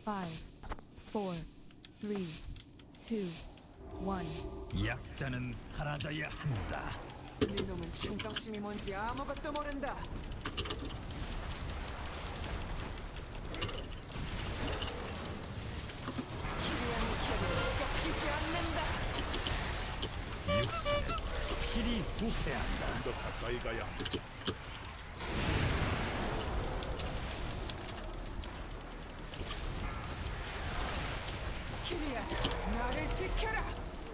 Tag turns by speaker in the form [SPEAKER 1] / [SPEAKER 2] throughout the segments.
[SPEAKER 1] 5, 4, 3, 2, 1.
[SPEAKER 2] 약자는 사라져야 한다.
[SPEAKER 3] 이놈은 충성심이 뭔지 아무것도 모른다. 키리안의 혈을 꺾이지 않는다.
[SPEAKER 2] 육신은 필히 부패한다.
[SPEAKER 4] 더 가까이 가야 한다.
[SPEAKER 3] 키리안, 나를 지켜라.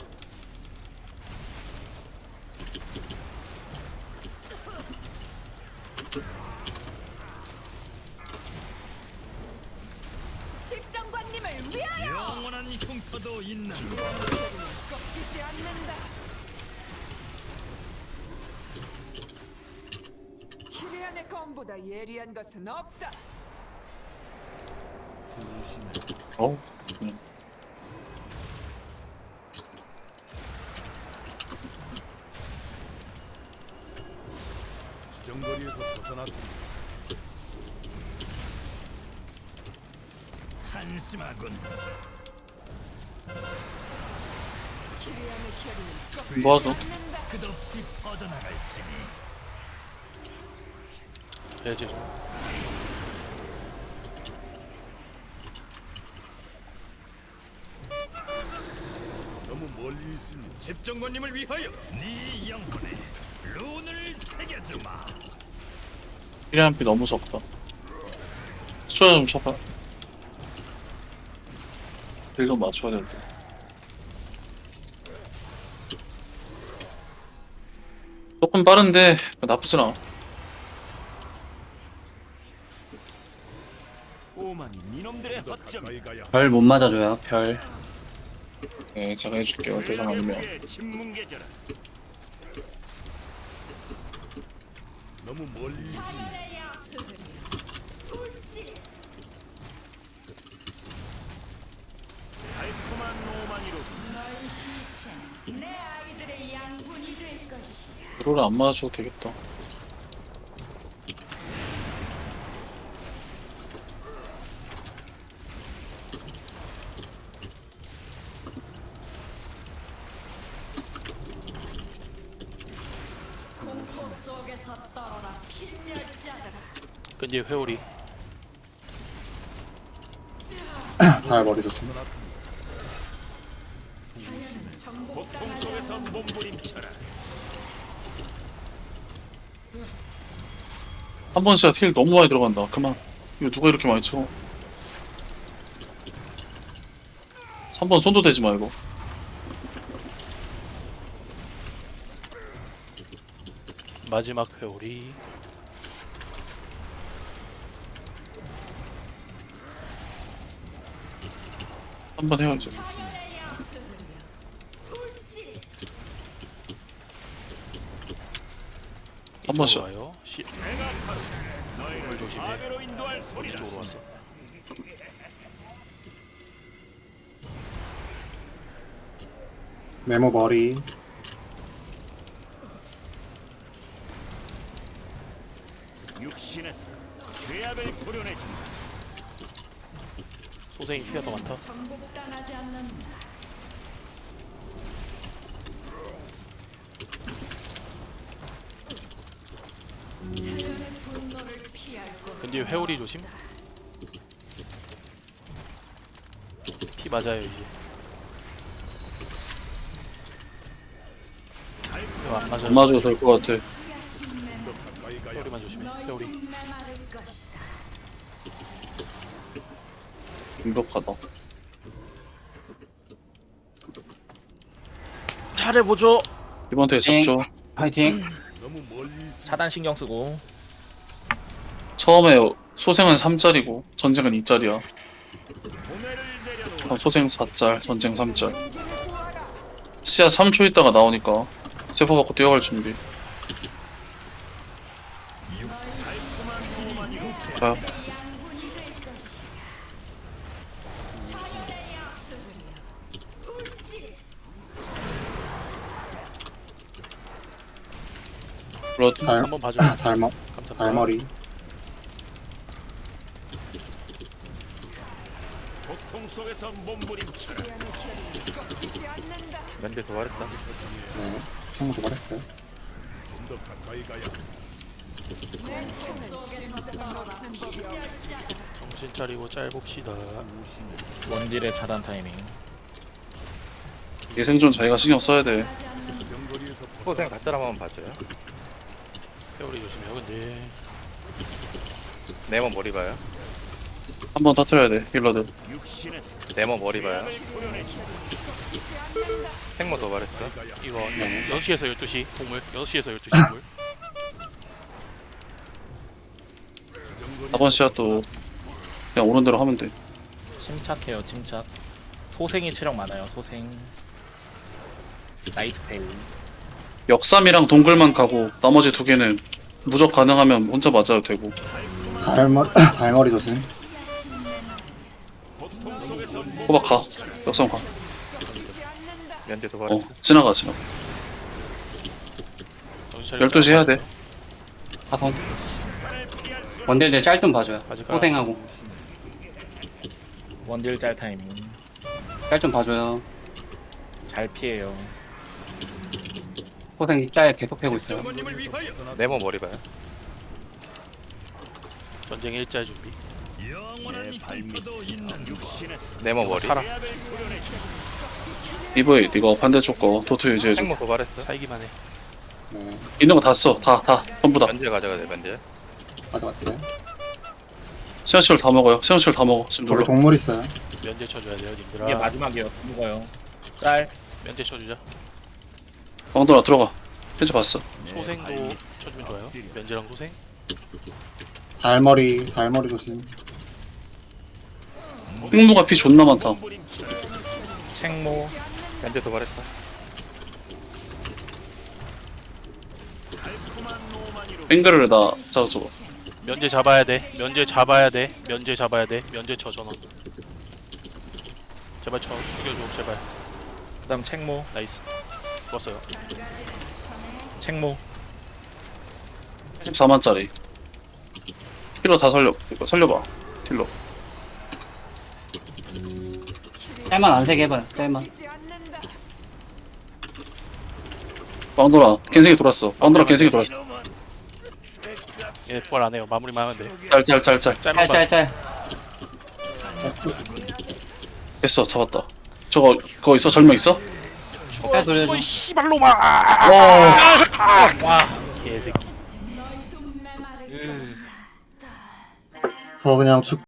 [SPEAKER 3] 집정관님을 위하여!
[SPEAKER 2] 영원한 흉터도 있는
[SPEAKER 3] 키리안의 혈은 꺾이지 않는다. 키리안의 검보다 예리한 것은 없다.
[SPEAKER 5] 어?
[SPEAKER 4] 정거리에서 벗어났습니다.
[SPEAKER 2] 한심하군.
[SPEAKER 3] 키리안의 혈은 꺾이지
[SPEAKER 5] 뭐하죠?
[SPEAKER 3] 않는다.
[SPEAKER 2] 끝없이 퍼져나갈지니
[SPEAKER 6] 해야지.
[SPEAKER 4] 너무 멀리 있습니다.
[SPEAKER 2] 집정관님을 위하여 네 영혼에 룬을 새겨주마.
[SPEAKER 5] 필요한 피 너무 적다. 수초자 좀 쳐봐. 딜 좀 맞춰야 되는데. 조금 빠른데 나쁘진 않아.
[SPEAKER 2] 오만이 니놈들의
[SPEAKER 4] 더
[SPEAKER 2] 허점.
[SPEAKER 4] 가까이 가야 한다.
[SPEAKER 5] 별 못 맞아줘요. 별. 네, 제가 해줄게요. 대상 아니면.
[SPEAKER 2] 신문계절아.
[SPEAKER 4] 너무 멀리 있습니다.
[SPEAKER 2] 달콤한 오만이로
[SPEAKER 5] 롤을 안 맞아줘도 되겠다.
[SPEAKER 6] 끈지 회오리.
[SPEAKER 5] 잘 머리 좋습니다.
[SPEAKER 2] 고통 속에서 몸부림쳐라.
[SPEAKER 5] 한 번 진짜 힐 너무 많이 들어간다. 그만. 이거 누가 이렇게 많이 쳐? 3번 손도 대지 마 이거.
[SPEAKER 6] 마지막 회오리.
[SPEAKER 5] 한 번 해야지. 한 번씩.
[SPEAKER 6] 와요. 물 조심해.
[SPEAKER 2] 아베로 인도할 소리라.
[SPEAKER 6] 이쪽으로 왔어.
[SPEAKER 7] 네모 머리.
[SPEAKER 2] 육신에서 죄악을 도려내준다.
[SPEAKER 6] 소생이 피가 더 많다. 근데 회오리 조심. 피 맞아요 이제. 이거 안 맞아요.
[SPEAKER 5] 안 맞아도 될 것 같아.
[SPEAKER 6] 회오리만 조심해. 회오리.
[SPEAKER 5] 완벽하다.
[SPEAKER 6] 잘해보죠.
[SPEAKER 5] 이번 대회 잡죠.
[SPEAKER 7] 파이팅.
[SPEAKER 4] 너무 멀리 있습니다.
[SPEAKER 6] 차단 신경 쓰고.
[SPEAKER 5] 처음에 소생은 3짜리고 전쟁은 2짜리야.
[SPEAKER 2] 고뇌를 내려놓아.
[SPEAKER 5] 그럼 소생 4짤, 전쟁 3짤. 시야 3초 있다가 나오니까 세포 받고 뛰어갈 준비. 가요. 블러드.
[SPEAKER 6] 한번 봐줘요. 감사합니다.
[SPEAKER 7] 발머리.
[SPEAKER 2] 고통 속에서 몸부림쳐라.
[SPEAKER 6] 면대 도발했다.
[SPEAKER 7] 네. 친구 도발했어요.
[SPEAKER 4] 좀 더 가까이 가야
[SPEAKER 6] 정신 차리고 짤 봅시다.
[SPEAKER 8] 원딜의 차단 타이밍.
[SPEAKER 5] 이 생존 자기가 신경 써야 돼.
[SPEAKER 4] 정거리에서
[SPEAKER 6] 포생 갖다 한번 봐줘요. 회오리 조심해요. 근데 네모 머리 봐요.
[SPEAKER 5] 한 번 터트려야 돼 힐러들.
[SPEAKER 2] 육신에서
[SPEAKER 6] 네모 머리 봐요.
[SPEAKER 2] 죄악을 도려내준다.
[SPEAKER 6] 생모 도발했어.
[SPEAKER 8] 이거 6시에서 12시 동물. 6시에서 12시 동물.
[SPEAKER 5] 4번 씨야 또 그냥 오는 대로 하면 돼.
[SPEAKER 8] 침착해요. 침착. 소생이 체력 많아요. 소생. 나이트 페이.
[SPEAKER 5] 역삼이랑 동글만 가고 나머지 두 개는 무적 가능하면 혼자 맞아도 되고.
[SPEAKER 7] 달머리 조심.
[SPEAKER 2] 고통 속에서
[SPEAKER 5] 호박 가. 역삼 가.
[SPEAKER 6] 면대 도발했어.
[SPEAKER 5] 지나가.
[SPEAKER 6] 정신 차리고
[SPEAKER 5] 12시 해야 돼.
[SPEAKER 9] 하선 원딜들 짤 좀 봐줘요.
[SPEAKER 6] 아직
[SPEAKER 9] 호생하고
[SPEAKER 8] 원딜 짤 타이밍.
[SPEAKER 9] 짤 좀 봐줘요.
[SPEAKER 8] 잘 피해요.
[SPEAKER 9] 호생 짤 계속 패고 있어요.
[SPEAKER 2] 정권님을 위하여
[SPEAKER 6] 네모 머리 봐요.
[SPEAKER 8] 전쟁 일자 준비.
[SPEAKER 2] 영원한 발미도 있는 육신에서
[SPEAKER 6] 네모 머리.
[SPEAKER 8] 살아.
[SPEAKER 2] 죄악을 도려내준다.
[SPEAKER 5] 이브이 이거 반대쪽 거 도트 유지해줘.
[SPEAKER 6] 생모 도발했어.
[SPEAKER 8] 살기만 해.
[SPEAKER 7] 네.
[SPEAKER 5] 있는 거 다 써. 다 전부 다.
[SPEAKER 6] 면제 가져가 돼. 면제.
[SPEAKER 7] 가져갔어요.
[SPEAKER 5] 세연치를 다 먹어요. 세연치를 다 먹어. 지금
[SPEAKER 7] 저기
[SPEAKER 5] 놀러.
[SPEAKER 7] 동물 있어요.
[SPEAKER 8] 면제 쳐줘야 돼요, 님들아.
[SPEAKER 9] 아.
[SPEAKER 8] 이게 마지막이에요. 죽어요. 짤. 면제 쳐주자.
[SPEAKER 5] 왕돈아 들어가. 현재 봤어.
[SPEAKER 8] 소생도 쳐주면 좋아요. 면제랑 소생.
[SPEAKER 7] 달머리 조심.
[SPEAKER 5] 흑무가 피 존나 많다.
[SPEAKER 8] 책모.
[SPEAKER 6] 면제 도발했다.
[SPEAKER 5] 뱅글을 나 저거.
[SPEAKER 8] 면제 잡아야 돼. 면제 잡아야 돼. 면제 잡아야 돼. 면제 쳐 전원. 제발 쳐. 죽여줘. 제발. 그다음 책모. 나이스. 좋았어요. 책모.
[SPEAKER 5] 14만짜리. 힐러 다 살려. 이거 살려봐. 힐러.
[SPEAKER 9] 짤만 안 세게 해봐요. 짤만.
[SPEAKER 5] 왕돈아 겐생이 돌았어. 왕돈아 겐생이 돌았어.
[SPEAKER 8] 얘 부활 안 해요. 마무리만 하면 돼.
[SPEAKER 5] 짤.
[SPEAKER 8] 짤만 봐.
[SPEAKER 9] 짤.
[SPEAKER 5] 됐어 잡았다. 저거 그거 있어? 절명 있어?
[SPEAKER 9] 짤 돌려줘.
[SPEAKER 8] 이 씨발로마. 와. 개새끼.
[SPEAKER 7] 저 그냥